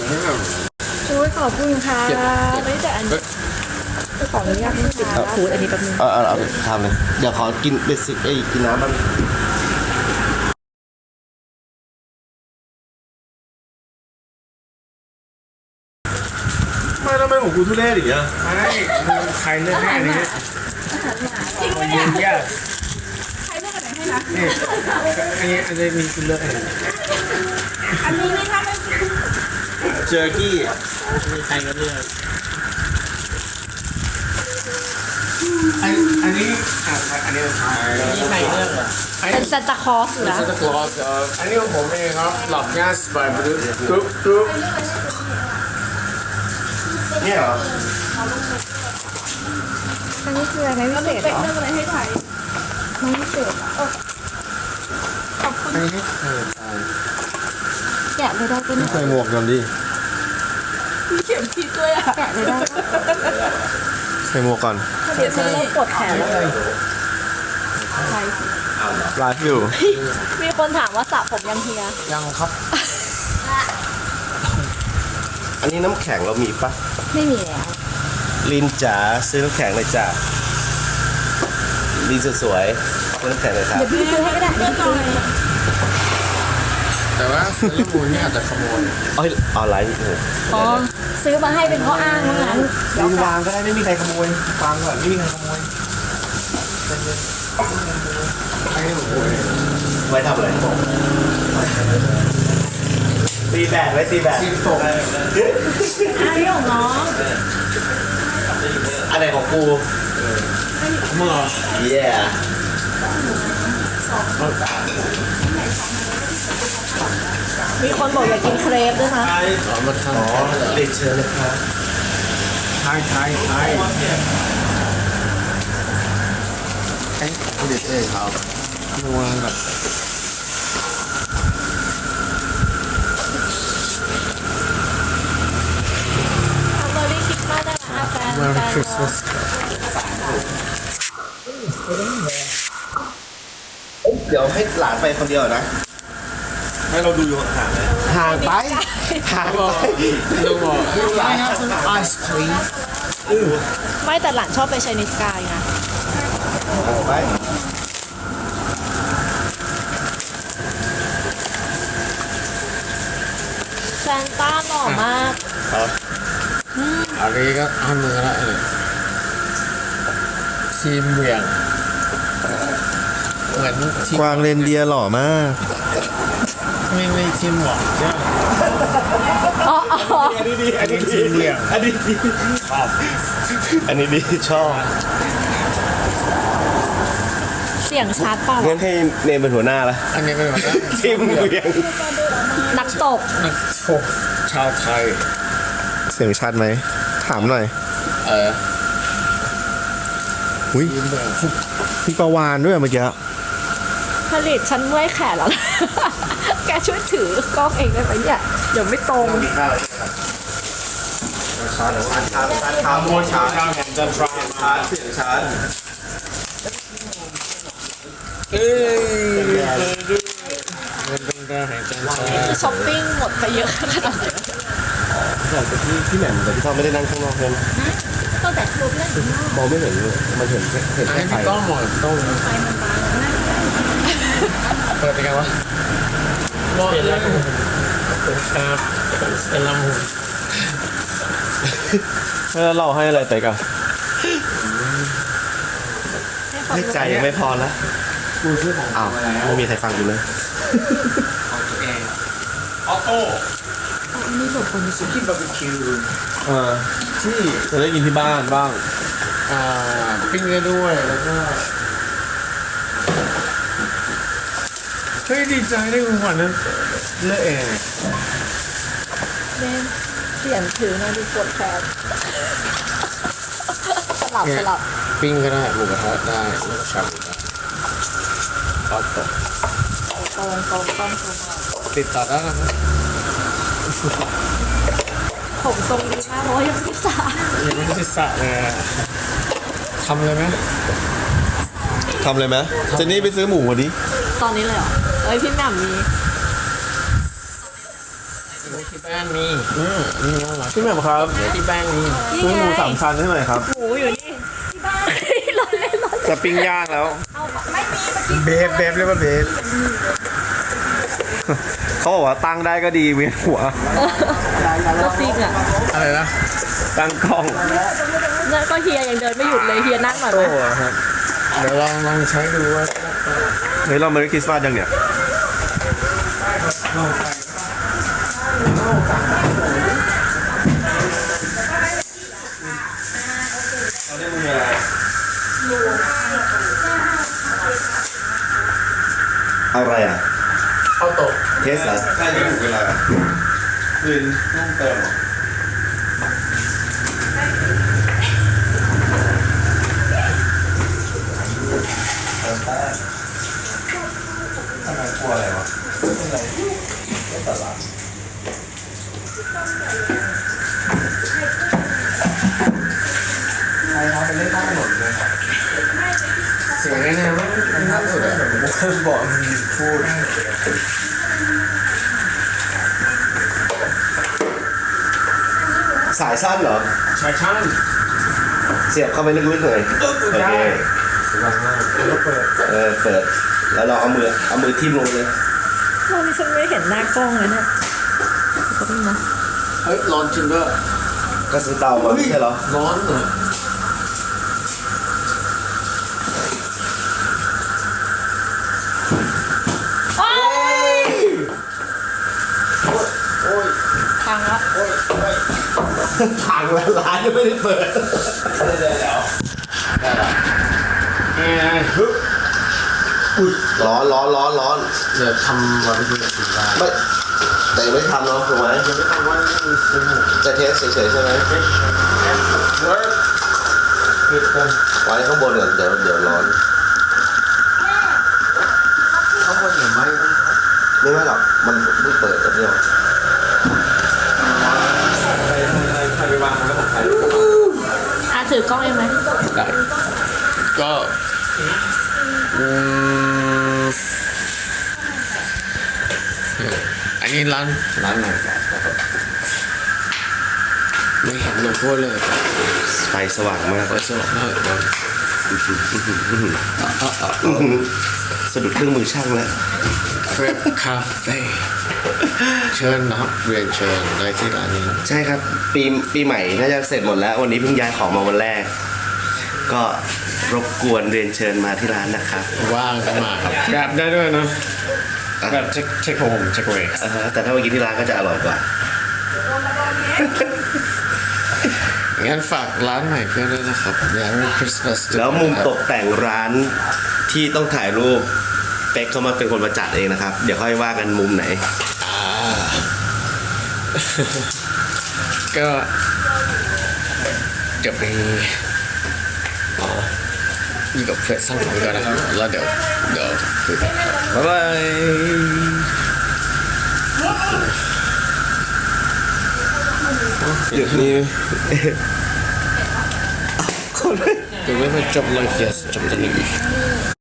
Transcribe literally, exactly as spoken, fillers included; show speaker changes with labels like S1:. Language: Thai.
S1: ช่วยขอบคุณค่ะไม่แต่อันนี้ขออนุญาตไม่ติดพูดอันนี้แป๊บนึง
S2: เออเออเอาทำเลยเดี๋ยวขอกินเบสิกไอ้กินน้ำบ้างไม่ทำไมของกูทุเรศอีกอ่ะ
S3: ไม่ใครเลือกให้อันนี้จริงปะเนี่ย
S1: ใครเลือกอันไหนให้นะ
S3: นี่อันนี้อันนี้มีคุณเลือกให้
S1: อันนี้นี่ถ้าไม่
S2: เจอร์กี้
S3: ใครก็เลือกอันอันนี้อ่ะอันนี้ใครใครเลือกอ่ะ
S1: เป็นซานตาคลอสนะ
S3: ซานตาคลอสอันนี้ของผมเองครับหลับง่ายสบายบริสุทธิ์กรุ๊ปกรุ๊ป
S2: เนี่ยเหรอ
S1: อันนี้คืออะไรพิเศษเหรอเลือกอะไรให้ไทยไม่พิเศษเออขอบคุณ
S3: อันนี้ให้เธอไป
S1: แกะเลยได้เป็น
S2: ใส่หมวกก่อนดิ
S1: มีเข็มทิศด้วยอ่ะแกะเลยได้
S2: ใส่หมวกก่อน
S1: เดี๋ยวฉันเริ่มปวดแขนแล้วใคร
S2: ไลฟ์อยู่
S1: มีคนถามว่าสระผมยังเฮีย
S3: ยังครับ
S2: อันนี้น้ำแข็งเรามีปะ
S1: ไม่มีแล้ว
S2: ลินจ๋าซื้อน้ำแข็งเลยจ้ะลินสวยๆซื้อน้ำแข็งเลยครับ
S1: เดี๋ยวพี่ซื้อให้ก็ได้เดี๋ยวซื้อ
S3: แต่ว่าเรื่องมูลนี่อาจจะขโมย
S2: เอ้ยออนไลน์
S1: อ๋อซื้อมาให้เป็นข้ออ้างว่างั้น
S3: ลินวางก็ได้ไม่มีใครขโมยวางก่อนไม่มีใครขโมยให้ผมพูด
S2: ไว้ทำอะไรตีแบดไว้ตีแบด
S3: ตีตก
S1: อันนี้ของน้อง
S2: อะไรของกู
S3: เมื่อ
S2: yeah
S1: มีคนบอกอยากกินเครปด้วยนะ
S3: อ๋อมาทำ
S2: อ๋อเรียนเชิญเลยครับ
S3: ไทยไทยไทยเอ๊ะเด็ดเองครับนัวแบบ
S1: Merry Christmas นะคะแฟน
S3: Merry Christmas
S2: เดี๋ยวให้หลานไปคนเดียวนะให้เราดูอยู่ห่างเลยห่างไปห่างไป
S3: ดูบอกหลานไอศครีม
S1: ไม่แต่หลานชอบไปไชนีสกายไง
S2: ห่างไป
S1: แซนต้าหล่อมาก
S3: อันนี้ก็อันมือละทีมเหวี่ยงเหมือน
S2: กวางเรนเดียหล่อมาก
S3: ไม่ไม่ทีมหวังใช่
S1: อ๋อ
S2: อันนี้ดีอันนี้
S3: ทีมเหวี่ยง
S2: อันนี้ดีชอบอันนี้ดีชอบ
S1: เสียงชัดเปล่า
S2: งั้นให้เนมเป็นหัวหน้าละ
S3: อันนี้เป็นหัวหน้า
S2: ทีมเหวี่ยง
S1: นักตบ
S3: นักตบชาวไทย
S2: เสียงชัดไหมถามหน่อย
S3: เออ
S2: อุ้ยมีปลาวานด้วยเมื่อกี้
S1: ผลิตฉันเมื่อยแขนแล้วแกช่วยถือกล้องเองได้ไหมเนี่ยเดี๋ยวไม่ตรง
S2: ชาชาชาชาชาโมชาชาแห่งจันทราชาเสียงชา
S3: เอ้ยมันเป็นการแห่งจันทรา
S1: ช้อปปิ้งหมดไปเยอะขนาดไหน
S2: แต่ที่ที่แหม่มแต่พี่ต้อมไม่ได้นั่งข้างนอกเลย
S1: ตั้งแต่รูปเล่น
S2: มองไม่เห็นเลยมันเห็นเห็นแค่ไฟ
S3: ต้องหมดต้อง
S1: ไฟมันบาน
S3: เปิดเป็นไงวะรอดแล้วครับเป็นลำหู
S2: แล้วเราให้อะไรไปกันให้ใจยังไม่พอแล้ว
S3: กูซื้อของ
S2: อ้าวไม่มีใครฟังกูเลย
S3: ของตัวเองออโต้
S1: อันนี้แบบคน
S3: สุกี้บาร์บีคิว
S2: เออที่จะได้กินที่บ้านบ้าง
S3: อ่าปิ้งได้ด้วยแล้วก็เฮ้ยดีใจได้คุณขวัญนะเลือกเอง
S1: เล่นเสียงถือนะดูปวดแขนสลับสลับ
S3: ปิ้งก็ได้หมูกระทะได้แล้วก็ชาบูได้ทอดตก
S1: ตรงตรงต้องตรง
S3: ติดต่อได้นะ
S1: ผมทรงดีมากเพราะว่ายังไม่สระ
S3: ยังไม่ได้สระเลยทำเลยไหม
S2: ทำเลยไหมเจนนี่ไปซื้อหมูมาดิ
S1: ตอนนี้เลยเหรอเอ้ยพี่แหม่มมี
S3: ไม่คิดไปแป้งมีอืมนี่น่ารัก
S2: พี่แหม่มครับ
S3: ที่แป้งมี
S2: ซื้อหมูสามชั้นให้หน่อยครับ
S1: หมูอยู่นี่ที่บ้านรอเล่นรอเล่น
S2: จะปิ้งย่างแล้ว
S1: เอาไม่มีเมื่อกี้
S2: เบฟเบฟเรียกว่าเบฟเขาบอกว่าตั้งได้ก็ดีเวียนหัว
S1: ก็จริงอ่ะ
S3: อะไรนะ
S2: ตั้งกล้อง
S1: นั่นก็เฮียยังเดินไม่หยุดเลยเฮียนั่งหน่อยไหม
S3: โอ้ครับเดี๋ยวลองลองใช้ดูว่า
S2: เฮ้ยเราไม่ได้คริสต์มาสยังเนี่ยอะไรอ่ะ
S3: เข้าโต๊ะ
S2: เทสเหรอใช่ยังถูกเวลาคืนต้องเติมเติมแป้งทำไมกลัวอะไรวะไม่เป็นไรไม่ตลาดใครทำไปเล่นข้างถนนเลยครับ
S3: เสียงแน่ๆมันมันน่าสุดอะ
S2: ผมบอกมึงพูดสายสั้นเหรอ
S3: ชายช่าง
S2: เสียบเข้าไปลึกๆเลยโอเค
S3: สบายมากแล้วเปิด
S2: เออเปิด แล้วเราเอามือเอามือทิ่มลงไปเลย
S1: ตอนนี้ฉันไม่เห็นหน้ากล้องเลยเนี่ยก็นี่นะ
S3: เฮ้ยร้อนจริงด้วย
S2: ก็ซื้อเตามาไม่ใช่เหรอ
S3: ร้อนเหรอ
S1: โอ๊ย
S3: โอ้ย
S1: พังละ
S3: โอ้ยโอ้ย
S2: พังแล้วร้านยังไม่ได้เปิด
S3: ได้ได้แล้วได้ละเอ้ยฮึบ
S2: อุ้ยร้อนร้อนร้อนร้อน
S3: เดี๋ยวทำวันที่จะกินได้
S2: ไม่แต่ยังไม่ทำเนาะถูกไหม
S3: ยังไม่ทำว่านี่คือซื้อหมู
S2: จะเทสเฉยๆใช่ไหม
S3: เฮ้ยเวิร์กคือกัน
S2: ไว้ข้างบนก่อนเดี๋ยวเดี๋ยวร้อน
S3: ข้างบนอย่าไหม
S2: ไม่ไม่หรอกมันเพิ่งเปิดแต่เดียว
S3: ใครใครไปวางแล้วของใคร
S1: อาถือกล้องเองไหม
S3: ได้ก็อืมอันนี้ร้านร้านไหนครับไม่เห็นโลโก้เลย
S2: ไฟสว่างมาก
S3: เปิดสว่างมากเลย
S2: สะดุดเครื่องมือช่างแล้ว
S3: เฟรปคาเฟ่เชิญนะครับเรียนเชิญได้ที่ร้านนี้
S2: ใช่ครับปีปีใหม่น่าจะเสร็จหมดแล้ว วันนี้เพิ่งย้ายของมาวันแรก ก็รบกวนเรียนเชิญมาที่ร้านนะครับ
S3: ว่างก็มาครับกราบได้ด้วยนะแบบเช็คเช็คโฮมเช็คเวย์
S2: อ่าฮะแต่ถ้ามากินที่ร้านก็จะอร่อยกว่า
S3: งั้นฝากร้านใหม่เพื่อนด้วยนะครับ Merry Christmas
S2: แล้วมุมตกแต่งร้านที่ต้องถ่ายรูปเป๊กเขามาเป็นคนมาจัดเองนะครับ เดี๋ยวค่อยว่ากันมุมไหน
S3: อ่า ก็เดี๋ยวไปอ๋ออยู่กับเพื่อนสองคนก่อนนะครับแล้วเดี๋ยวเดี๋ยวคุยกันครับบ๊ายบาย
S2: เดี๋ยวนี้
S3: เดี๋ยวไม่ไปจบเลย yes จบตอนนี้